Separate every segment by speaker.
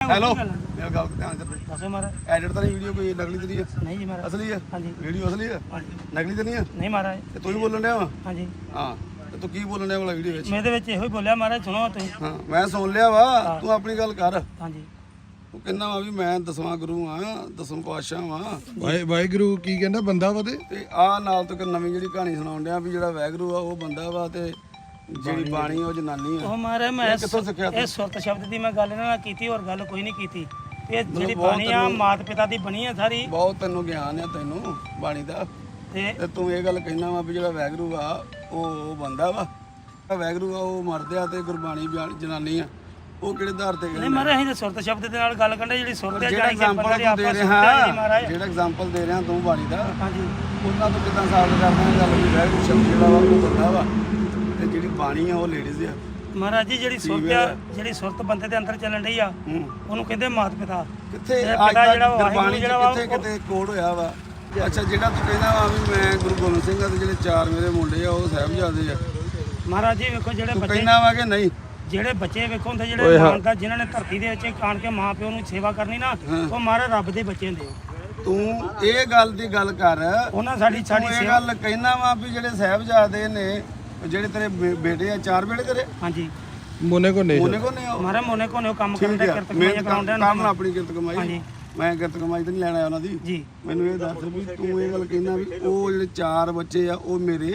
Speaker 1: Hello ਮੇਰਾ ਗੱਲ ਧਿਆਨ ਚ
Speaker 2: ਦੱਸੋ ਮਹਾਰਾਜ।
Speaker 1: ਐਡਿਟ ਤਾਂ ਨਹੀਂ ਵੀਡੀਓ ਕੋਈ ਨਕਲੀ ਤਾਂ ਨਹੀਂ ਹੈ?
Speaker 2: ਨਹੀਂ ਜੀ ਮਹਾਰਾਜ।
Speaker 1: ਅਸਲੀ ਹੈ?
Speaker 2: ਹਾਂਜੀ।
Speaker 1: ਵੀਡੀਓ ਅਸਲੀ ਹੈ? ਨਕਲੀ ਤਾਂ ਨਹੀਂ ਹੈ?
Speaker 2: ਨਹੀਂ ਮਹਾਰਾਜ।
Speaker 1: ਤੇ ਤੂੰ ਹੀ ਬੋਲਣ ਡਿਆ ਵਾ?
Speaker 2: ਹਾਂਜੀ।
Speaker 1: ਹਾਂ ਤੇ ਤੂੰ ਕੀ ਬੋਲਣ ਡਿਆ ਵਾਲਾ ਵੀਡੀਓ ਵਿੱਚ?
Speaker 2: ਮੈਂ ਇਹਦੇ ਵਿੱਚ ਇਹੋ ਹੀ ਬੋਲਿਆ ਮਹਾਰਾਜ, ਸੁਣੋ ਤੁਸੀਂ।
Speaker 1: ਹਾਂ ਮੈਂ ਸੁਣ ਲਿਆ ਵਾ, ਤੂੰ ਆਪਣੀ ਗੱਲ ਕਰ।
Speaker 2: ਹਾਂਜੀ।
Speaker 1: ਤੂੰ ਕਹਿੰਦਾ ਵਾ ਵੀ ਮੈਂ 10ਵਾਂ ਗੁਰੂ ਆ, 10ਵਾਂ ਪਾਤਸ਼ਾਹ ਵਾਂ।
Speaker 3: ਵਾਹਿਗੁਰੂ ਕੀ ਕਹਿੰਦਾ ਬੰਦਾ ਵਾ
Speaker 1: ਤੇ ਆਹ ਨਾਲ ਤੋਂ ਇੱਕ ਨਵੀਂ ਜਿਹੜੀ ਕਹਾਣੀ ਸੁਣਾਉਣ ਡਿਆ ਵੀ ਜਿਹੜਾ ਵਾਹਿਗੁਰੂ ਆ ਉਹ ਬੰਦਾ ਵਾ ਤੇ ਜਿਹੜੀ ਬਾਣੀ ਉਹ ਜਨਾਨੀ ਆ।
Speaker 2: ਉਹ ਮਹਾਰਾਜ ਮੈਂ
Speaker 1: ਕਿੱਥੋਂ ਸਿੱਖਿਆ
Speaker 2: ਇਹ ਸੁਰਤ ਸ਼ਬਦ ਦੀ ਮੈਂ ਗੱਲ ਇਹਨਾਂ ਨਾਲ ਕੀਤੀ, ਹੋਰ ਗੱਲ ਕੋਈ ਨਹੀਂ ਕੀਤੀ। ਇਹ ਜਿਹੜੀ ਬਾਣੀ ਆ ਮਾਤ ਪਿਤਾ ਦੀ ਬਣੀ ਆ ਸਾਰੀ।
Speaker 1: ਬਹੁਤ ਤੈਨੂੰ ਗਿਆਨ ਆ ਤੈਨੂੰ ਬਾਣੀ ਦਾ,
Speaker 2: ਤੇ
Speaker 1: ਤੂੰ ਇਹ ਗੱਲ ਕਹਿਣਾ ਵਾ ਵੀ ਜਿਹੜਾ ਵਾਹਿਗੁਰੂ ਆ ਉਹ ਬੰਦਾ ਵਾ, ਵਾਹਿਗੁਰੂ ਆ ਉਹ ਮਰਦ ਆ ਤੇ ਗੁਰਬਾਣੀ ਜਨਾਨੀ ਆ। ਉਹ ਕਿਹੜੇ ਆਧਾਰ ਤੇ
Speaker 2: ਨਹੀਂ ਮਹਾਰਾਜ ਅਸੀਂ ਤਾਂ ਸੁਰਤ ਸ਼ਬਦ ਦੇ ਨਾਲ ਗੱਲ ਕਰਦੇ, ਜਿਹੜੀ ਸੁਰਤ ਹੈ
Speaker 1: ਜਿਹੜਾ
Speaker 2: ਜਾਣੀ ਕਿ
Speaker 1: ਐਗਜ਼ਾਮਪਲ
Speaker 2: ਬੰਦੇ
Speaker 1: ਤੂੰ ਦੇ
Speaker 2: ਆਪਸ
Speaker 1: ਰਿਹਾ, ਜਿਹੜਾ ਐਗਜ਼ਾਮਪਲ ਦੇ ਰਿਹਾ ਤੂੰ ਬਾਣੀ ਦਾ,
Speaker 2: ਹਾਂਜੀ।
Speaker 1: ਉਹਨਾਂ ਤੋਂ ਕਿਦਾਂ ਸਾਬਤ ਕਰਦਾ ਗੱਲ ਵੀ ਵਾਹਿਗੁਰੂ ਸ਼ਬਦ ਜਿਹੜਾ ਵਾ ਉਹ ਬੰਦਾ ਵਾ ਤੇ ਜਿਹੜੀ ਬਾਣੀ ਆ ਉਹ ਲੇਡੀਜ਼ ਆ।
Speaker 2: ਮਹਾਰਾਜ ਜੀ ਜਿਹੜੀ ਸੁਰਤ ਆ, ਜਿਹੜੀ ਸੁਰਤ ਬੰਦੇ ਦੇ ਅੰਦਰ ਚੱਲਣ ਰਹੀ ਆ ਉਹਨੂੰ ਕਹਿੰਦੇ ਮਾਤ ਪਿਤਾ।
Speaker 1: ਕਿੱਥੇ
Speaker 2: ਇਹ
Speaker 1: ਅੱਜ
Speaker 2: ਪਿਤਾ
Speaker 1: ਤੱਕ
Speaker 2: ਜਿਹੜਾ ਵਾ,
Speaker 1: ਗੁਰਬਾਣੀ
Speaker 2: ਜਿਹੜਾ ਵਾ
Speaker 1: ਕਿੱਥੇ ਕਿਤੇ ਕੋਡ ਹੋਇਆ ਵਾ? ਅੱਛਾ ਜਿਹੜਾ ਤੂੰ ਕਹਿੰਦਾ ਵਾ ਵੀ ਮੈਂ ਗੁਰੂ ਗੋਬਿੰਦ ਸਿੰਘ ਆ ਤੇ ਜਿਹੜੇ 4 ਮੇਰੇ ਮੁੰਡੇ ਆ ਉਹ ਸਾਹਿਬਜ਼ਾਦੇ ਆ,
Speaker 2: ਮਹਾਰਾਜ ਜੀ ਵੇਖੋ ਜਿਹੜੇ
Speaker 1: ਤੂੰ
Speaker 2: ਬੱਚੇ,
Speaker 1: ਕਹਿੰਦਾ ਵਾ ਕਿ ਨਹੀਂ?
Speaker 2: ਜਿਹੜੇ ਬੱਚੇ ਵੇਖੋ ਹੁੰਦੇ ਜਿਹੜੇ ਮਾਨਤਾ ਜਿਨ੍ਹਾਂ ਨੇ ਧਰਤੀ ਦੇ ਵਿੱਚ ਆਣ ਕੇ ਮਾਂ ਪਿਓ ਨੂੰ ਸੇਵਾ ਕਰਨੀ ਨਾ, ਉਹ ਮਹਾਰਾਜ ਰੱਬ ਦੇ ਬੱਚੇ ਹੁੰਦੇ ਆ।
Speaker 1: ਤੂੰ ਇਹ ਗੱਲ ਦੀ ਗੱਲ ਕਰ,
Speaker 2: ਉਹਨਾਂ ਸਾਡੀ
Speaker 1: ਤੂੰ ਇਹ ਗੱਲ ਕਹਿਣਾ ਵਾ ਵੀ ਜਿਹੜੇ ਸਾਹਿਬਜ਼ਾਦੇ ਨੇ, ਜਿਹੜੇ ਤੇਰੇ ਬੇਟੇ ਆ, 4 ਬੇਟੇ ਤੇਰੇ?
Speaker 2: ਹਾਂਜੀ।
Speaker 1: ਮੋਨੇ ਕੋ ਨਹੀਂ
Speaker 2: ਮਹਾਰਾਜ ਮੋਨੇ ਕੋਨੇ ਕੰਮ ਕਰਦੇ, ਕਿਰਤ ਕਮਾਈਆਂ ਕਰਾਉਂਦੇ ਨੇ।
Speaker 1: ਕੰਮ ਆਪਣੀ ਕਿਰਤ ਕਮਾਈ, ਮੈਂ ਕਿਰਤ ਕਮਾਈ ਤਾਂ ਨਹੀਂ ਲੈਣਾ ਉਹਨਾਂ ਦੀ
Speaker 2: ਜੀ।
Speaker 1: ਮੈਨੂੰ ਇਹ ਦੱਸ ਵੀ ਤੂੰ ਇਹ ਗੱਲ ਕਹਿਣਾ ਵੀ ਉਹ ਜਿਹੜੇ 4 ਬੱਚੇ ਆ ਉਹ ਮੇਰੇ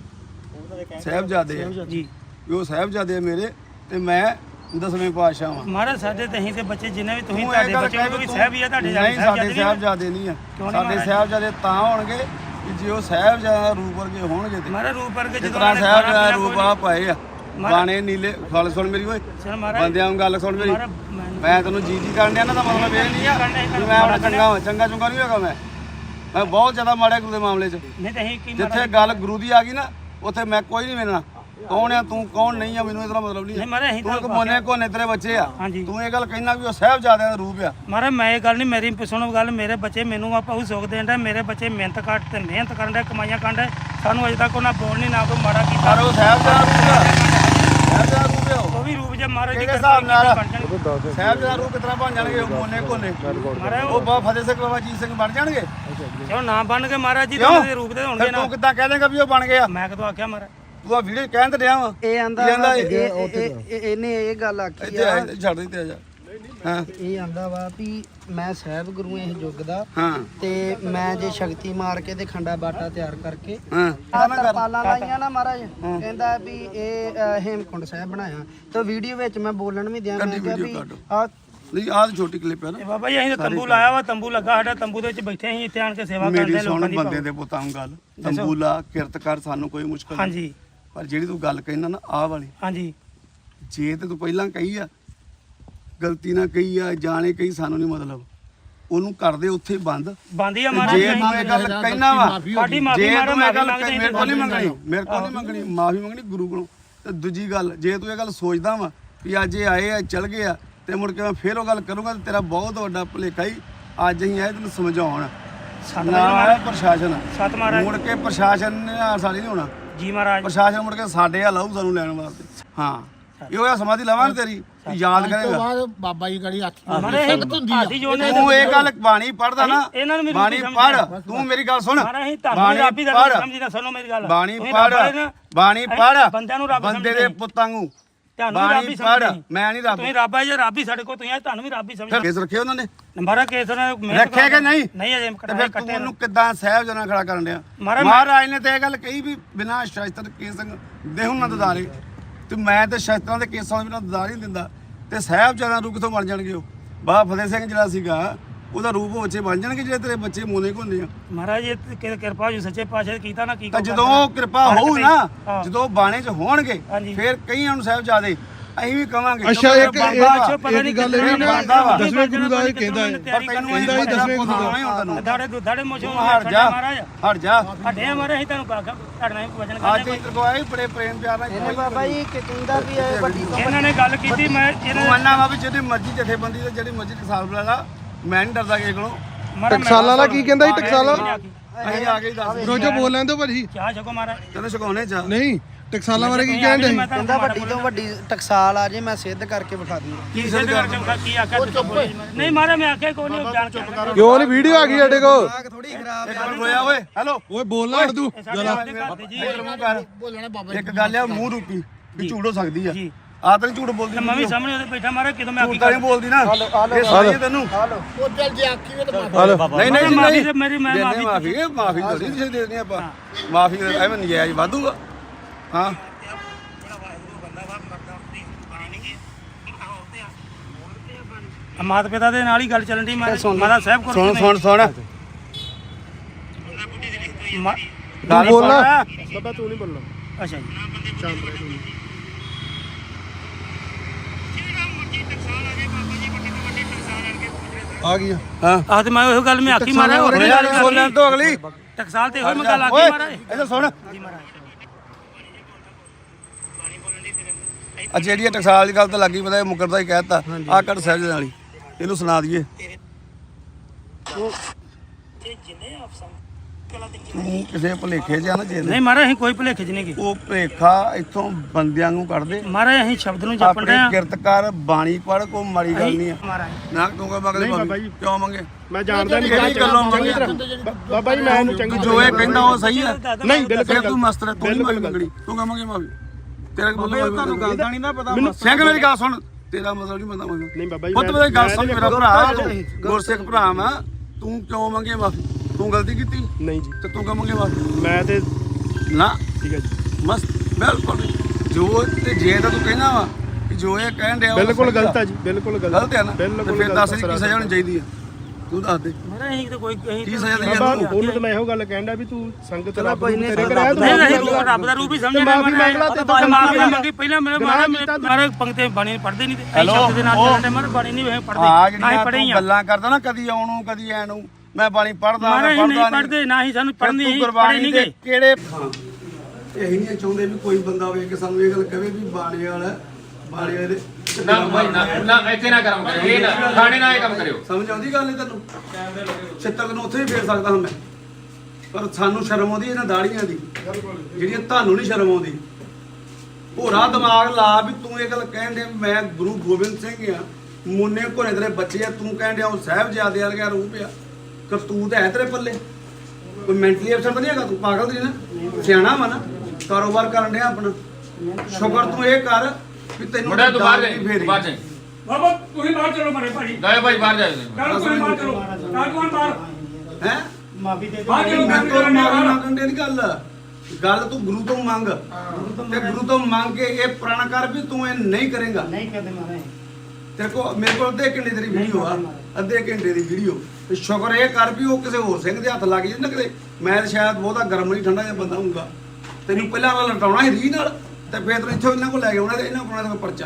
Speaker 1: ਸਾਹਿਬਜ਼ਾਦੇ ਆ
Speaker 2: ਜੀ,
Speaker 1: ਵੀ ਉਹ ਸਾਹਿਬਜ਼ਾਦੇ ਆ ਮੇਰੇ ਤੇ ਮੈਂ 10ਵੇਂ ਪਾਤਸ਼ਾਹ ਵਾਂ।
Speaker 2: ਮਹਾਰਾਜ ਸਾਡੇ ਤੇ ਅਸੀਂ ਤੇ ਬੱਚੇ ਜਿੰਨੇ ਵੀ ਤੁਸੀਂ ਤੁਹਾਡੇ ਬੱਚੇ ਉਹ ਵੀ ਸਾਹਿਬ ਹੀ ਆ ਤੁਹਾਡੇ।
Speaker 1: ਨਹੀਂ ਸਾਡੇ ਸਾਹਿਬਜ਼ਾਦੇ ਨਹੀਂ ਆ, ਸਾਡੇ ਸਾਹਿਬਜ਼ਾਦੇ ਤਾਂ ਹੋਣਗੇ ਕਿ ਜੇ ਉਹ ਸਾਹਿਬਜ਼ਾਦਾ ਰੂਪ ਵਰਗੇ ਹੋਣਗੇ ਤੇ
Speaker 2: ਮਹਾਰਾਜ ਰੂਪ ਵਰਗੇ
Speaker 1: ਜਿਸ ਤਰ੍ਹਾਂ ਸਾਹਿਬਜ਼ਾਦਾ ਰੂਪ ਆ ਪਾਏ ਆ ਬਾਣੇ ਨੀਲੇ। ਗੱਲ ਸੁਣ ਮੇਰੀ ਓਏ ਬੰਦਿਆਂ ਨੂੰ, ਗੱਲ ਸੁਣ ਮੇਰੀ। ਮੈਂ ਤੈਨੂੰ ਜੀ ਕਰਨ ਡਿਆ ਨਾ, ਦਾ ਮਤਲਬ ਇਹ ਨਹੀਂ ਆ ਕਿ ਮੈਂ ਆਪਣਾ ਚੰਗਾ ਚੁੰਗਾ ਨਹੀਂ ਹੋਗਾ। ਮੈਂ ਬਹੁਤ ਜ਼ਿਆਦਾ ਮਾੜਾ ਗੁਰੂ ਦੇ ਮਾਮਲੇ 'ਚ। ਜਿੱਥੇ ਗੱਲ ਗੁਰੂ ਦੀ ਆ ਗਈ ਨਾ ਉੱਥੇ ਮੈਂ ਕੋਈ ਨਹੀਂ ਮਿਲਣਾ। ਕੌਣ ਆ ਤੂੰ, ਕੌਣ ਨਹੀਂ ਆ, ਮੈਨੂੰ ਇਹਦਾ ਮਤਲਬ ਨਹੀਂ। ਤੂੰ ਇੱਕ ਮੋਨੇ ਕੋਨੇ ਤੇਰੇ ਬੱਚੇ ਆ, ਤੂੰ ਇਹ ਗੱਲ ਕਹਿਣਾ ਵੀ ਉਹ ਸਾਹਿਬਜ਼ਾਦਿਆਂ ਦਾ ਰੂਪ ਆ।
Speaker 2: ਮਹਾਰਾਜ ਮੈਂ ਇਹ ਗੱਲ ਨਹੀਂ, ਮੇਰੀ ਸੁਣੋ ਗੱਲ, ਮੇਰੇ ਬੱਚੇ ਮੈਨੂੰ ਆਪਾਂ ਉਹ ਸੁੱਖ ਦੇਣ ਦਾ, ਮੇਰੇ ਬੱਚੇ ਮਿਹਨਤ ਕਰ ਤੇ ਮਿਹਨਤ ਕਰਨ ਦਾ, ਕਮਾਈਆਂ ਕਰਨ ਦਾ, ਸਾਨੂੰ ਅਜੇ ਤੱਕ ਉਹਨਾਂ ਬੋਲ ਨਹੀਂ ਨਾ ਕੋਈ ਮਾੜਾ ਕੀਤਾ।
Speaker 1: ਉਹ ਸਾਹਿਬਜ਼ਾਦਾ ਰੂਪ ਆ, ਸਾਹਿਬਜ਼ਾਦਾ ਰੂਪ ਆ।
Speaker 2: ਉਹ ਵੀ ਰੂਪ ਜੇ ਮਹਾਰਾਜ ਦੀ
Speaker 1: ਹਿਸਾਬ ਨਾਲ ਸਾਹਿਬਜ਼ਾਦਾ ਰੂਪ ਕਿਤਨਾ ਬਣ ਜਾਣਗੇ? ਮੋਨੇ ਕੋਨੇ ਉਹ ਬਾਬਾ ਫਤਿਹ ਸਿੰਘ, ਬਾਬਾ ਜੀਤ ਸਿੰਘ ਬਣ ਜਾਣਗੇ?
Speaker 2: ਚਲੋ ਨਾ ਬਣ ਕੇ ਮਹਾਰਾਜ ਜੀ ਦੇ ਰੂਪ ਦੇ ਹੋਣਗੇ ਨਾ।
Speaker 1: ਤੂੰ ਕਿੱਦਾਂ ਕਹਿ ਦੇਂਗਾ ਵੀ ਉਹ ਬਣ ਗਿਆ?
Speaker 2: ਮੈਂ ਕਦੋਂ ਆਖਿਆ ਮਹਾਰਾਜ?
Speaker 1: ਤੂੰ ਆ ਵੀਡੀਓ ਕਹਿਣ ਤੇ ਡਿਆ ਵਾ।
Speaker 4: ਇਹ ਆਂਦਾ ਇਹਨੇ ਇਹ ਗੱਲ ਆਖੀ
Speaker 1: ਇੱਥੇ ਆ, ਛੱਡ ਦੇ ਤੇ ਆ ਜਾ। ਹਾਂ
Speaker 4: ਇਹ ਆਂਦਾ ਵਾ ਵੀ ਮੈਂ ਸਾਹਿਬ ਗੁਰੂ ਇਸ ਯੁੱਗ ਦਾ,
Speaker 1: ਹਾਂ
Speaker 4: ਤੇ ਮੈਂ ਜੇ ਸ਼ਕਤੀ ਮਾਰ ਕੇ ਤੇ ਖੰਡਾ ਬਾਟਾ ਤਿਆਰ ਕਰਕੇ
Speaker 1: ਹਾਂ
Speaker 4: ਤਰਪਾਲਾਂ ਲਾਈਆਂ ਨਾ ਮਹਾਰਾਜ, ਕਹਿੰਦਾ ਵੀ ਇਹ ਹੇਮਕੁੰਡ ਸਾਹਿਬ ਬਣਾਇਆ। ਤੇ ਵੀਡੀਓ ਵਿੱਚ ਮੈਂ ਬੋਲਣ ਵੀ ਦਿਆਂ, ਮੈਂ ਕਿਹਾ ਵੀ ਆ
Speaker 1: ਨਹੀਂ ਆਹ ਛੋਟੀ ਕਲਿੱਪ ਹੈ ਨਾ।
Speaker 2: ਬਾਬਾ ਜੀ ਅਸੀਂ ਤਾਂ ਤੰਬੂ ਲਾਇਆ ਵਾ, ਤੰਬੂ ਲੱਗਾ ਸਾਡਾ, ਤੰਬੂ ਦੇ ਵਿੱਚ ਬੈਠੇ ਅਸੀਂ ਇੱਥੇ ਆਣ ਕੇ ਸੇਵਾ ਕਰਦੇ
Speaker 1: ਮੇਰੀ
Speaker 2: ਲੋਕਾਂ
Speaker 1: ਸੁਣ
Speaker 2: ਦੀ।
Speaker 1: ਬੰਦੇ ਦੇ ਪੁੱਤਾਂ ਨੂੰ ਗੱਲ, ਤੰਬੂ ਲਾ, ਕਿਰਤ ਕਰ, ਸਾਨੂੰ ਕੋਈ ਮੁਸ਼ਕਲ ਨਹੀਂ।
Speaker 2: ਹਾਂਜੀ
Speaker 1: ਪਰ ਜਿਹੜੀ ਤੂੰ ਗੱਲ ਕਹਿਣਾ ਨਾ ਆਹ ਵਾਲੀ,
Speaker 2: ਹਾਂਜੀ।
Speaker 1: ਜੇ ਤੇ ਤੂੰ ਪਹਿਲਾਂ ਕਹੀ ਆ, ਗਲਤੀ ਨਾਲ ਕਹੀ ਆ, ਜਾਣੇ ਕਹੀ, ਸਾਨੂੰ ਨਹੀਂ ਮਤਲਬ, ਉਹਨੂੰ ਕਰਦੇ ਉੱਥੇ ਬੰਦ।
Speaker 2: ਬੰਦੀ ਆ ਮਹਾਰਾਜ।
Speaker 1: ਜੇ ਤੂੰ ਇਹ ਗੱਲ ਕਹਿਣਾ ਵਾ,
Speaker 2: ਸਾਡੀ ਮਾਫੀ ਮਾਰੋ,
Speaker 1: ਮੇਰੇ ਕੋਲ ਨਹੀਂ ਮੰਗਣੀ, ਮੇਰੇ ਕੋਲ ਨਹੀਂ ਮੰਗਣੀ, ਮਾਫੀ ਮੰਗਣੀ ਗੁਰੂ ਕੋਲੋਂ। ਤੇ ਦੂਜੀ ਗੱਲ, ਜੇ ਤੂੰ ਇਹ ਗੱਲ ਸੋਚਦਾ ਵਾ ਵੀ ਅੱਜ ਇਹ ਆਏ ਆ ਚਲ ਗਏ ਆ ਤੇ ਮੁੜ ਕੇ ਮੈਂ ਫੇਰ ਉਹ ਗੱਲ ਕਰੂੰਗਾ, ਤੇ ਤੇਰਾ ਬਹੁਤ ਵੱਡਾ ਭੁਲੇਖਾ ਹੀ। ਅੱਜ ਅਸੀਂ ਆਏ ਤੈਨੂੰ ਸਮਝਾਉਣ, ਨਾ ਪ੍ਰਸ਼ਾਸਨ
Speaker 2: ਸਤ ਮਹਾਰਾਜ
Speaker 1: ਮੁੜ ਕੇ ਪ੍ਰਸ਼ਾਸਨ ਨੇ ਸਾਡੀ ਨਹੀਂ ਹੋਣਾ
Speaker 2: ਜੀ ਮਹਾਰਾਜ।
Speaker 1: ਪ੍ਰਸ਼ਾਸਨ ਮੁੜ ਕੇ ਸਾਡੇ ਆ ਲਾਊ ਸਾਨੂੰ ਲੈਣ ਵਾਸਤੇ। ਹਾਂ ਇਹ ਹੋਇਆ ਸਮਾਧੀ ਲਵਾਂਗੇ ਤੇਰੀ, ਯਾਦ ਕਰੇਗਾ
Speaker 3: ਬਾਬਾ ਜੀ ਗੜੀ ਹੱਥ
Speaker 1: ਤੂੰ ਇਹ ਗੱਲ ਬਾਣੀ ਪੜਦਾ ਨਾ, ਬਾਣੀ ਪੜ, ਤੂੰ ਮੇਰੀ ਗੱਲ ਸੁਣ, ਬਾਣੀ ਪੜ, ਬਾਣੀ ਪੜ, ਬਾਣੀ ਪੜ, ਬੰਦੇ ਦੇ ਪੁੱਤਾਂ ਨੂੰ ਬਾਣੀ ਪੜ। ਮੈਂ ਨਹੀਂ ਰੱਬ,
Speaker 2: ਤੁਸੀਂ ਰੱਬ ਆ, ਜੇ ਰੱਬ ਹੀ ਸਾਡੇ ਕੋਲ ਤੁਸੀਂ ਆ, ਤੁਹਾਨੂੰ ਵੀ ਰੱਬ ਹੀ ਸਮਝਦਾ।
Speaker 1: ਕੇਸ ਰੱਖੇ ਉਹਨਾਂ ਨੇ?
Speaker 2: ਨੰਬਰ ਕੇਸ
Speaker 1: ਰੱਖੇ ਕਿ ਨਹੀਂ?
Speaker 2: ਨਹੀਂ ਅਜੇ
Speaker 1: ਫਿਰ ਤੂੰ ਉਹਨੂੰ ਕਿੱਦਾਂ ਸਾਹਿਬਜ਼ਾਦਾ ਖੜਾ ਕਰਨ ਡਿਆ? ਮਹਾਰਾਜ ਨੇ ਤੇ ਇਹ ਗੱਲ ਕਹੀ ਵੀ ਬਿਨਾਂ ਸ਼ਸਤਰ ਕੇਸ ਦੇਹੁ ਨਾ ਦਦਾਰੇ, ਤੇ ਮੈਂ ਤੇ ਸ਼ਸਤਰਾਂ ਦੇ ਕੇਸਾਂ ਦੇ ਬਿਨਾਂ ਦਦਾਰ ਹੀ ਨਹੀਂ ਦਿੰਦਾ। ਤੇ ਸਾਹਿਬਜ਼ਾਦਾ ਰੂਪ ਕਿੱਥੋਂ ਬਣ ਜਾਣਗੇ? ਉਹ ਬਾਬਾ ਫਤਿਹ ਸਿੰਘ ਜਿਹੜਾ ਸੀਗਾ ਉਹਦਾ ਰੂਪ ਬੱਚੇ ਬਣ ਜਾਣਗੇ ਜਿਹੜੇ ਤੇਰੇ ਬੱਚੇ ਮੋਨੇ ਹੁੰਦੇ ਆ।
Speaker 2: ਮਹਾਰਾਜ ਇਹ ਕਿਰਪਾ ਜੀ ਸੱਚੇ ਪਾਤਸ਼ਾਹ ਕੀਤਾ ਨਾ, ਕੀ
Speaker 1: ਜਦੋਂ ਕਿਰਪਾ ਹੋਊ ਨਾ, ਜਦੋਂ ਬਾਣੇ 'ਚ ਹੋਣਗੇ ਫਿਰ ਕਈਆਂ ਨੂੰ ਸਾਹਿਬਜ਼ਾਦੇ ਅਸੀਂ ਵੀ ਕਵਾਂਗੇ।
Speaker 3: ਅੱਛਾ ਇੱਕ ਗੱਲ ਇਹ ਨਾ 10ਵੇਂ ਗੁਰੂ ਦਾ ਇਹ ਕਹਿੰਦਾ ਹੈ,
Speaker 1: ਕਹਿੰਦਾ ਹੀ 10ਵੇਂ ਗੁਰੂ ਦਾ।
Speaker 2: ਦਾੜੇ ਮੋਸ਼ੋਂ
Speaker 1: ਹਟ ਜਾ, ਹਟ ਜਾ,
Speaker 2: ਹਟੇ ਮਾਰੇ ਅਸੀਂ ਤੁਹਾਨੂੰ ਕਾਕਾ ਤੁਹਾਡਾ ਵਜਨ
Speaker 1: ਅੱਜ ਇੱਧਰ ਕੋ ਆਏ ਬੜੇ ਪ੍ਰੇਮ ਪਿਆਰ ਨਾਲ।
Speaker 4: ਇਹਨੇ ਬਾਬਾ ਜੀ ਕਹਿੰਦਾ ਵੀ ਇਹ ਵੱਡੀ
Speaker 2: ਇਹਨਾਂ ਨੇ ਗੱਲ ਕੀਤੀ, ਮੈਂ
Speaker 1: ਮੰਨਣਾ ਵਾ ਵੀ ਜਿਹੜੀ ਮਰਜ਼ੀ ਜਥੇਬੰਦੀ ਤੇ ਜਿਹੜੀ ਮਰਜ਼ੀ ਟਕਸਾਲ ਬੁਲਾ ਲਾ, ਮੈਂ ਨਹੀਂ ਡਰਦਾ ਕਿਸੇ ਕੋਲੋਂ।
Speaker 3: ਟਕਸਾਲਾਂ ਦਾ ਕੀ ਕਹਿੰਦਾ ਜੀ? ਟਕਸਾਲਾਂ
Speaker 1: ਅਸੀਂ ਆ ਕੇ ਦੱਸ
Speaker 3: ਰੋਜੋ ਬੋਲ ਲੈਂਦੇ ਭਾਜੀ।
Speaker 2: ਚਾਹ ਛਕੋ ਮਾਰਾ,
Speaker 1: ਤੈਨੂੰ ਛਕਾਉਣੇ ਚਾ
Speaker 3: ਨਹੀਂ ਟਕਸਾਲਾਂ ਬਾਰੇ ਕੀ ਕਹਿਣ ਦੇ?
Speaker 4: ਕਹਿੰਦਾ ਵੱਡੀ ਤੋਂ ਵੱਡੀ ਟਕਸਾਲ ਆ ਜੇ ਮੈਂ ਸਿੱਧ ਕਰਕੇ ਵਿਖਾ ਦੂੰਗਾ।
Speaker 2: ਕੀ ਸਿੱਧ ਕਰਕੇ ਕੀ ਆਖਿਆ ਨਹੀਂ ਮਾਰੇ ਮੈਂ ਆਖਿਆ ਕੋਈ ਨਹੀਂ ਜਾਣ ਕੇ
Speaker 3: ਕਿਉਂ ਨਹੀਂ ਵੀਡੀਓ ਆ ਗਈ ਸਾਡੇ ਕੋਲ?
Speaker 4: ਥੋੜੀ ਖਰਾਬ
Speaker 1: ਇੱਕ ਮਿੰਟ ਰੋਇਆ ਓਏ ਹੈਲੋ
Speaker 3: ਓਏ ਬੋਲਣਾ ਅੜ ਤੂੰ
Speaker 1: ਇੱਕ ਗੱਲ ਆ ਮੂੰਹ ਰੂਪੀ ਵੀ ਝੂਠ ਹੋ ਸਕਦੀ ਆ ਆ ਤਾਂ ਝੂਠ ਬੋਲਦੀ
Speaker 2: ਮੈਂ ਵੀ ਸਾਹਮਣੇ ਉਹਦੇ ਬੈਠਾ ਮਾਰੇ ਕਿਦੋਂ ਮੈਂ
Speaker 1: ਝੂਠ ਤਾਂ ਨਹੀਂ ਬੋਲਦੀ ਨਾ ਇਹ ਸਾਰੀ ਤੈਨੂੰ
Speaker 3: ਹਲੋ
Speaker 1: ਨਹੀਂ ਨਹੀਂ
Speaker 2: ਮਾਫੀ
Speaker 1: ਨਹੀਂ
Speaker 2: ਮੇਰੀ ਮੈਂ ਮਾਫੀ
Speaker 1: ਮਾਫੀ ਥੋੜੀ ਦੇ ਦੇਣੀ ਆਪਾਂ ਮਾਫੀ ਐਵੇਂ ਨਜਾਇਜ਼ ਵਾਧੂਗਾ ਹਾਂ
Speaker 2: ਮਾਤਾ ਪਿਤਾ ਦੇ ਨਾਲ ਹੀ ਗੱਲ ਚੱਲਣ ਦੀ ਮਾਤਾ ਸਾਹਿਬ ਕੋਲ
Speaker 1: ਸੁਣ
Speaker 3: ਤੂੰ ਬੋਲਣਾ
Speaker 4: ਬਾਬਾ ਤੂੰ ਨਹੀਂ ਬੋਲਣਾ।
Speaker 2: ਅੱਛਾ ਜੀ
Speaker 3: ਆ ਗਈ
Speaker 1: ਹਾਂ
Speaker 2: ਆਹ ਤੇ ਮੈਂ ਉਹ ਗੱਲ ਮੈਂ ਆਖੀ ਮਾਰਿਆ
Speaker 1: ਉਹਨੇ ਗੱਲ ਬੋਲਣ ਤੋਂ ਅਗਲੀ
Speaker 2: ਟਕਸਾਲ ਤੇ ਹੋਈ ਮੈਂ ਗੱਲ ਆਖੀ ਮਾਰਿਆ
Speaker 1: ਇਹਦਾ ਸੁਣ ਆ ਜਿਹੜੀ ਟਕਸਾਲ ਦੀ ਗੱਲ ਤਾਂ ਲੱਗੀ ਪਤਾ ਇਹ ਮੁਕਰਦਾ ਹੀ ਕਹਿਤਾ ਆ ਕੱਟ ਸਹਿਜ ਨਾਲ ਹੀ ਇਹਨੂੰ ਸੁਣਾ ਦਈਏ ਤੂੰ ਕਿਸੇ ਭੁਲੇਖੇ ਚ ਆ ਨਾ ਜੇ
Speaker 2: ਨਹੀਂ ਮਾਰੇ ਅਸੀਂ ਕੋਈ ਭੁਲੇਖੇ ਚ ਨਹੀਂ ਗਏ
Speaker 1: ਉਹ ਭੁਲੇਖਾ ਇੱਥੋਂ ਬੰਦਿਆਂ ਨੂੰ ਕੱਢ ਦੇ
Speaker 2: ਮਾਰੇ ਅਸੀਂ ਸ਼ਬਦ ਨੂੰ ਜਪਣ
Speaker 1: ਆਪਣੀ
Speaker 2: ਰਹੇ ਆ
Speaker 1: ਕਿਰਤ ਕਰ ਬਾਣੀ ਪੜ ਕੋਈ ਮਾੜੀ ਗੱਲ ਨਹੀਂ ਆ
Speaker 2: ਮਹਾਰਾਜ
Speaker 1: ਨਾ ਤੂੰ ਮੰਗਦੇ ਕਿਉਂ ਮੰਗੇ
Speaker 4: ਮੈਂ ਜਾਣਦਾ ਨਹੀਂ
Speaker 1: ਕਿਹੜੀ ਗੱਲੋਂ ਮੰਗੇ
Speaker 4: ਬਾਬਾ ਜੀ ਮੈਂ ਇਹਨੂੰ ਚੰਗੀ
Speaker 1: ਜੋ ਇਹ ਕਹਿੰਦਾ ਉਹ ਸਹੀ ਹੈ
Speaker 4: ਨਹੀਂ
Speaker 1: ਫਿਰ ਤੂੰ ਮਸਤ ਰਹਿ ਤੂੰ ਨਹੀਂ ਮਾਫੀ ਮੰਗਣੀ ਤੂੰ ਕਹਾਂਗੇ ਮਾਫੀ ਤੇਰਾ ਤੁਹਾਨੂੰ ਗੱਲ ਦਾ ਨਹੀਂ ਨਾ ਪਤਾ ਸਿੰਘ ਮੇਰੀ ਗੱਲ ਸੁਣ ਤੇਰਾ ਮਤਲਬ ਨਹੀਂ ਪਤਾ ਮੈਨੂੰ
Speaker 4: ਨਹੀਂ ਬਾਬਾ ਜੀ
Speaker 1: ਪੁੱਤ ਮੇਰੀ ਗੱਲ ਸੁਣ ਮੇਰਾ ਭਰਾ ਤੂੰ ਗੁਰਸਿੱਖ ਭਰਾ ਵਾ ਤੂੰ ਕਿਉਂ ਮੰਗੇ ਮਾਫੀ ਤੂੰ ਗਲਤੀ ਕੀਤੀ
Speaker 4: ਨਹੀਂ ਜੀ
Speaker 1: ਤੇ ਤੂੰ ਕਹਾਂਗੇ ਮਾਫੀ
Speaker 4: ਮੈਂ ਤੇ
Speaker 1: ਨਾ
Speaker 4: ਠੀਕ ਹੈ ਜੀ
Speaker 1: ਮਸਤ ਬਿਲਕੁਲ ਜੋ ਤੇ ਜੇ ਤਾਂ ਤੂੰ ਕਹਿਣਾ ਵਾ ਕਿ ਜੋ ਇਹ ਕਹਿਣ ਡਿਆ
Speaker 4: ਬਿਲਕੁਲ ਗਲਤ ਹੈ ਜੀ ਬਿਲਕੁਲ
Speaker 1: ਗਲਤ ਹੈ ਨਾ ਤੇ ਫਿਰ ਦੱਸ ਕੀ ਸਜ਼ਾ ਹੋਣੀ ਚਾਹੀਦੀ ਹੈ ਤੂੰ ਦੱਸ ਦੇ
Speaker 2: ਮਾਰੇ ਅਸੀਂ ਤਾਂ ਕੋਈ
Speaker 1: ਕੀ ਸਜ਼ਾ ਦੇਣੀ
Speaker 4: ਬਾਬਾ
Speaker 1: ਹੈ
Speaker 4: ਉਹਨੂੰ ਤਾਂ ਮੈਂ ਇਹੋ ਗੱਲ ਕਹਿੰਦਾ ਵੀ ਤੂੰ ਸੰਗਤ ਰੱਬ
Speaker 2: ਨਹੀਂ ਨਹੀਂ ਰੱਬ ਦਾ ਰੂਪ ਹੀ ਸਮਝਣਾ ਮਾਫੀ ਮੰਗੀ ਪਹਿਲਾਂ ਮੇਰੇ ਮਾਰੇ ਪੰਕਤੇ ਬਾਣੀ ਪੜ੍ਹਦੇ ਨਹੀਂ ਤੇ ਸ਼ਬਦ ਦੇ ਨਾਲ ਚੱਲਦੇ ਮਾਰੇ ਬਾਣੀ ਨਹੀਂ ਪੜ੍ਹਦੇ
Speaker 1: ਆ
Speaker 2: ਨਹੀਂ ਪੜ੍ਹੇ
Speaker 1: ਜਿਹੜੀਆਂ ਗੱਲਾਂ ਕਰਦਾ ਨਾ ਕਦੀ ਆਉਣੋਂ ਕਦੀ ਐ ਨੂੰ ਮੈਂ ਬਾਣੀ ਪੜਦਾ
Speaker 2: ਮਾਰੇ ਨਹੀਂ ਪੜ੍ਹਦੇ ਨਾ ਹੀ ਸਾਨੂੰ ਪੜ੍ਹਨੀ ਹੀ ਪੜ੍ਹੇ ਨਹੀਂ ਗਏ
Speaker 1: ਕਿਹੜੇ ਇਹੀ ਨਹੀਂ ਚਾਹੁੰਦੇ ਵੀ ਕੋਈ ਬੰਦਾ ਹੋਵੇ ਕਿ ਸਾਨੂੰ ਇਹ ਗੱਲ ਕਹੇ ਵੀ ਬਾਣੀ ਵਾਲਾ ਬਾਣੀ ਵਾਲੇ
Speaker 5: ਨਾ ਭਾਈ ਨਾ ਇੱਥੇ ਨਾ ਕੰਮ ਕਰਿਓ ਇਹ ਨਾ ਥਾਣੇ ਨਾਲ ਇਹ ਕੰਮ ਕਰਿਓ
Speaker 1: ਸਮਝ ਆਉਂਦੀ ਗੱਲ ਇਹ ਤੈਨੂੰ ਛਿੱਤਰ ਨੂੰ ਉੱਥੇ ਵੀ ਫੇਰ ਸਕਦਾ ਹਾਂ ਮੈਂ ਪਰ ਸਾਨੂੰ ਸ਼ਰਮ ਆਉਂਦੀ ਇਹਨਾਂ ਦਾੜੀਆਂ ਦੀ ਜਿਹੜੀਆਂ ਤੁਹਾਨੂੰ ਨਹੀਂ ਸ਼ਰਮ ਆਉਂਦੀ ਹੋਰਾ ਦਿਮਾਗ ਲਾ ਵੀ ਤੂੰ ਇਹ ਗੱਲ ਕਹਿਣ ਦੇ ਮੈਂ ਗੁਰੂ ਗੋਬਿੰਦ ਸਿੰਘ ਆ ਮੁੰਨੇ ਘੋੜੇ ਤੇਰੇ ਬੱਚੇ ਆ ਤੂੰ ਕਹਿਣ ਡਿਆ ਉਹ ਸਾਹਿਬਜ਼ਾਦੇ ਵਰਗਾ ਰੂਪ ਆ ਕਰਤੂਤ ਹੈ ਤੇਰੇ ਪੱਲੇ ਕੋਈ ਮੈਂਟਲੀ ਅਫਸਰ ਤਾਂ ਨਹੀਂ ਹੈਗਾ ਤੂੰ ਪਾਗਲ ਨਹੀਂ ਨਾ ਸਿਆਣਾ ਵਾ ਨਾ ਕਾਰੋਬਾਰ ਕਰਨ ਡਿਆ ਆਪਣਾ ਸ਼ੁਕਰ ਤੂੰ ਇਹ ਕਰ ਵੀ ਤੈਨੂੰ
Speaker 5: ਮੁੰਡਾ ਤੂੰ ਬਾਹਰ
Speaker 1: ਦਾਲ ਦੀ ਫੇਰੀ।
Speaker 5: ਬਾਹਰ ਜਾਈ
Speaker 2: ਬਾਬਾ ਤੁਸੀਂ ਬਾਹਰ ਚਲੋ ਮਾਰੇ ਭਾਜੀ
Speaker 5: ਗਏ ਭਾਈ ਬਾਹਰ ਜਾਓ
Speaker 2: ਕੱਲ ਕੋਈ ਬਾਹਰ ਚਲੋ ਕੱਲ ਕੋਈ ਬਾਹਰ
Speaker 1: ਹੈਂ
Speaker 2: ਮਾਫੀ ਦੇ
Speaker 1: ਮੈਂ ਤੋਂ ਮਾਫੀ ਮੰਗਣ ਦੀ ਗੱਲ ਤੂੰ ਗੁਰੂ ਤੋਂ ਮੰਗ ਤੇ ਗੁਰੂ ਤੋਂ ਮੰਗ ਕੇ ਇਹ ਪ੍ਰਣ ਕਰ ਵੀ ਤੂੰ ਇਹ ਨਹੀਂ ਕਰੇਗਾ
Speaker 2: ਨਹੀਂ ਕਰਦੇ ਮਾਰੇ
Speaker 1: ਤੇਰੇ ਕੋ ਮੇਰੇ ਕੋਲ ਅੱਧੇ ਘੰਟੇ ਦੀ ਵੀਡੀਓ ਆ ਅੱਧੇ ਘੰਟੇ ਦੀ ਵੀਡੀਓ ਤੇ ਸ਼ੁਕਰ ਇਹ ਕਰ ਵੀ ਉਹ ਕਿਸੇ ਹੋਰ ਸਿੰਘ ਦੇ ਹੱਥ ਲੱਗ ਜੇ ਨਾ ਕਿਤੇ ਮੈਂ ਤਾਂ ਸ਼ਾਇਦ ਬਹੁਤਾ ਗਰਮ ਨਹੀਂ ਠੰਡਾ ਜਿਹਾ ਬੰਦਾ ਹੋਊਗਾ ਤੈਨੂੰ ਪਹਿਲਾਂ ਵਾਲਾ ਲਟਾਉਣਾ ਹੀ ਰੀ ਨਾਲ ਤੇ ਫਿਰ ਤੈਨੂੰ ਇੱਥੋਂ ਇਹਨਾਂ ਕੋਲ ਲੈ ਕੇ ਆਉਣਾ ਤੇ ਇਹਨਾਂ ਕੋਲ ਪਰਚਾ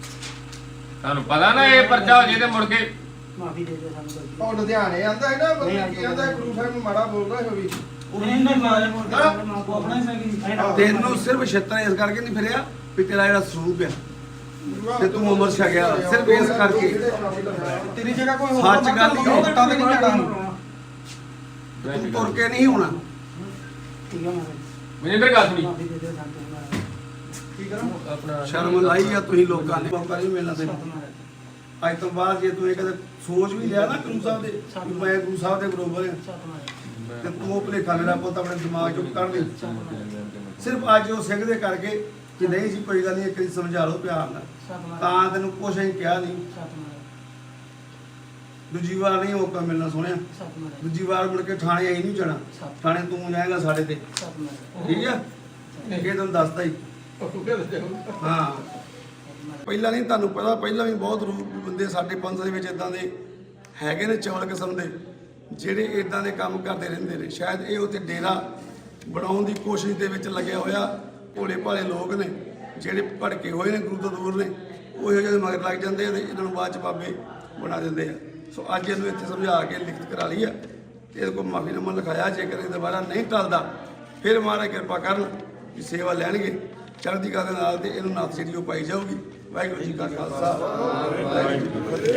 Speaker 5: ਤੁਹਾਨੂੰ ਪਤਾ ਨਾ ਇਹ ਪਰਚਾ ਹੋ ਜੇ ਤੇ ਮੁੜ ਕੇ
Speaker 2: ਮਾਫੀ ਦੇ ਦੇ ਸਾਨੂੰ
Speaker 3: ਉਹ ਲੁਧਿਆਣੇ ਆਂਦਾ ਹੈ ਨਾ ਬੰਦਾ ਕੀ ਆਂਦਾ ਗੁਰੂ ਸਾਹਿਬ ਨੂੰ ਮਾੜਾ ਬੋਲਦਾ ਹੈ ਵੀ
Speaker 2: ਨਹੀਂ ਮਾਰੇ ਮੋੜ ਆਪਣਾ ਹੀ ਸਹੀ
Speaker 1: ਤੈਨੂੰ ਸਿਰਫ ਛੇਤਰ ਇਸ ਕਰਕੇ ਨਹੀਂ ਫਿਰਿਆ ਵੀ ਤੇਰਾ ਜਿਹੜਾ ਸਰੂਪ ਆ ਤੇ ਤੂੰ ਉਮਰ ਛਕਿਆ ਸਿਰਫ ਇਸ ਕਰਕੇ
Speaker 3: ਤੇਰੀ ਜਗ੍ਹਾ ਕੋਈ ਹੋਰ
Speaker 1: ਸੱਚ ਗੱਲ ਹੀ ਉਹ
Speaker 3: ਤਾਂ ਨਹੀਂ ਜਾਣਾ
Speaker 1: ਤੂੰ ਤੁਰ ਕੇ ਨਹੀਂ ਹੋਣਾ
Speaker 2: ਠੀਕ ਹੈ ਮਾਰੇ
Speaker 5: ਮਨਿੰਦਰ ਗੱਲ ਸੁਣੀ
Speaker 2: ਮਾਫੀ ਦੇ ਦੇ ਸਾਨੂੰ
Speaker 3: ਕੀ ਕਰਾਂ
Speaker 1: ਸ਼ਰਮ ਲਾਈ ਆ ਤੁਸੀਂ ਲੋਕਾਂ ਨੇ ਮੌਕਾ ਨਹੀਂ ਮਿਲਣਾ ਤੈਨੂੰ ਅੱਜ ਤੋਂ ਬਾਅਦ ਜੇ ਤੂੰ ਇਹ ਕਦੇ ਸੋਚ ਵੀ ਲਿਆ ਨਾ ਗੁਰੂ ਸਾਹਿਬ ਦੇ ਵੀ ਮੈਂ ਗੁਰੂ ਸਾਹਿਬ ਦੇ ਬਰੋਬਰ ਹਾਂ ਤੇ ਤੂੰ ਉਹ ਭੁਲੇਖਾ ਮੇਰਾ ਪੁੱਤ ਆਪਣੇ ਦਿਮਾਗ ਚੋਂ ਕੱਢ ਦੇ ਸਿਰਫ ਅੱਜ ਉਹ ਸਿੰਘ ਦੇ ਕਰਕੇ ਕਿ ਨਹੀਂ ਜੀ ਕੋਈ ਗੱਲ ਨਹੀਂ ਇੱਕ ਵਾਰੀ ਸਮਝਾ ਲਓ ਪਿਆਰ ਨਾਲ ਤਾਂ ਤੈਨੂੰ ਕੁਛ ਨਹੀਂ ਕਿਹਾ ਨਹੀਂ ਦੂਜੀ ਵਾਰ ਨਹੀਂ ਮੌਕਾ ਮਿਲਣਾ ਸੋਹਣਿਆ ਦੂਜੀ ਵਾਰ ਮੁੜ ਕੇ ਥਾਣੇ ਆਈ ਨਹੀਂ ਜਾਣਾ ਥਾਣੇ ਤੂੰ ਜਾਏਗਾ ਸਾਡੇ ਤੇ ਠੀਕ ਆ ਇਹ ਤੈਨੂੰ ਦੱਸਦਾ ਹੀ ਹਾਂ ਪਹਿਲਾਂ ਨਹੀਂ ਤੁਹਾਨੂੰ ਪਤਾ ਪਹਿਲਾਂ ਵੀ ਬਹੁਤ ਰੂਪ ਬੰਦੇ ਸਾਡੇ ਪੰਥ ਦੇ ਵਿੱਚ ਇਦਾਂ ਦੇ ਹੈਗੇ ਨੇ ਚੌਲ ਕਿਸਮ ਦੇ ਜਿਹੜੇ ਇਦਾਂ ਦੇ ਕੰਮ ਕਰਦੇ ਰਹਿੰਦੇ ਨੇ ਸ਼ਾਇਦ ਇਹ ਉੱਥੇ ਡੇਰਾ ਬਣਾਉਣ ਦੀ ਕੋਸ਼ਿਸ਼ ਦੇ ਵਿੱਚ ਲੱਗਿਆ ਹੋਇਆ ਭੋਲੇ ਭਾਲੇ ਲੋਕ ਨੇ ਜਿਹੜੇ ਭੜਕੇ ਹੋਏ ਨੇ ਗੁਰੂ ਤੋਂ ਦੂਰ ਨੇ ਉਹ ਇਹੋ ਜਿਹੇ ਮਗਰ ਲੱਗ ਜਾਂਦੇ ਆ ਤੇ ਇਹਨਾਂ ਨੂੰ ਬਾਅਦ ਚ ਬਾਬੇ ਬਣਾ ਦਿੰਦੇ ਆ ਸੋ ਅੱਜ ਇਹਨੂੰ ਇੱਥੇ ਸਮਝਾ ਕੇ ਲਿਖਤ ਕਰਾ ਲਈ ਆ ਤੇ ਇਹਦੇ ਕੋਲ ਮਾਫੀਨਾਮਾ ਲਿਖਾਇਆ ਜੇਕਰ ਇਹ ਦੁਬਾਰਾ ਨਹੀਂ ਟਲਦਾ ਫਿਰ ਮਹਾਰਾਜ ਕਿਰਪਾ ਕਰਨ ਵੀ ਸੇਵਾ ਲੈਣਗੇ ਚੜ੍ਹਦੀ ਕਲਾ ਦੇ ਨਾਲ ਤੇ ਇਹਨੂੰ ਨੱਥ ਜਿਹੜੀ ਉਹ ਪਾਈ ਜਾਊਗੀ ਵਾਹਿਗੁਰੂ ਜੀ ਕਾ ਖਾਲਸਾ ਵਾਹਿਗੁਰੂ ਜੀ ਕੀ ਫਤਿਹ।